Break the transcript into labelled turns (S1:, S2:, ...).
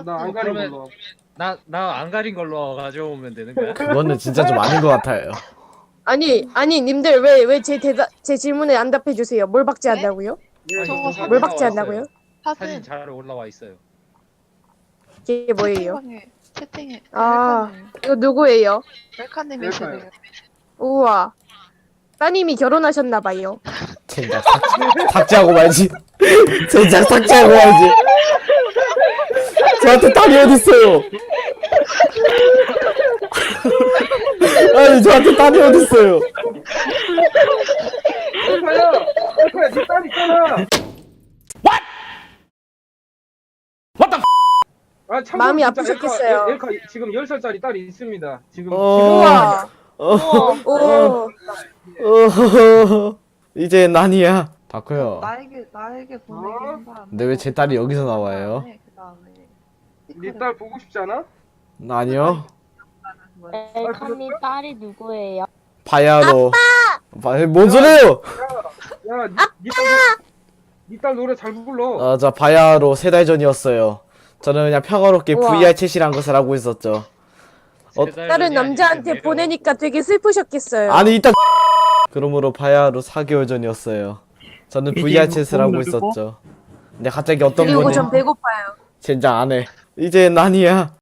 S1: 나 안 가린
S2: 그러면-
S1: 걸로.
S2: 나 안 가린 걸로 가져오면 되는 거야?
S3: 그거는 진짜 좀 아닌 것 같아요.
S4: 아니 님들 왜 제 질문에 안 답해 주세요. 뭘 박제한다고요?
S1: 예,
S5: 저거
S1: 저
S5: 사진
S4: 뭘
S2: 올라와
S4: 박제한다고요?
S2: 있어요. 사진
S5: 사진
S2: 잘 올라와 있어요.
S4: 이게 뭐예요?
S5: 채팅에
S4: 아. 이거 누구예요?
S5: 멜카님이시래요.
S4: 우와. 따님이 결혼하셨나 봐요.
S3: 젠장 삭제하고 말지. 젠장 삭제하고 말지. 저한테 딸이 어딨어요? 아니 저한테 딸이 어딨어요?
S1: 엘카야, 네 딸 있잖아. 아, 참고로
S4: 마음이
S1: 진짜
S4: 아프셨겠어요.
S1: 엘카 지금 10살짜리 딸이 있습니다. 지금
S4: 우와. 오.
S3: 이제 난이야. 다크요.
S5: 나에게 보내기 한 사람.
S3: 근데 왜 제 딸이 여기서 나와요?
S5: 그다음에
S1: 네딸 보고 싶지 않아?
S3: 아니요.
S6: 엘카님 딸이 누구예요?
S3: 바야로. 뭔 소리예요?
S1: 야, 네 딸 노래 잘 불러.
S3: 아, 저 바야로 3달 전이었어요. 저는 그냥 평화롭게
S4: 우와.
S3: VR 챗이란 것을 하고 있었죠.
S2: 세달
S4: 다른
S2: 전이
S4: 남자한테
S2: 아니겠네요.
S4: 보내니까 되게 슬프셨겠어요.
S3: 아니 이따 그러므로 바야로 4개월 전이었어요. 저는 VR 챗을 하고 있었죠. 근데 갑자기 어떤
S4: 그리고
S3: 분이
S4: 전 배고파요.
S3: 젠장 안 해. 이제 난이야.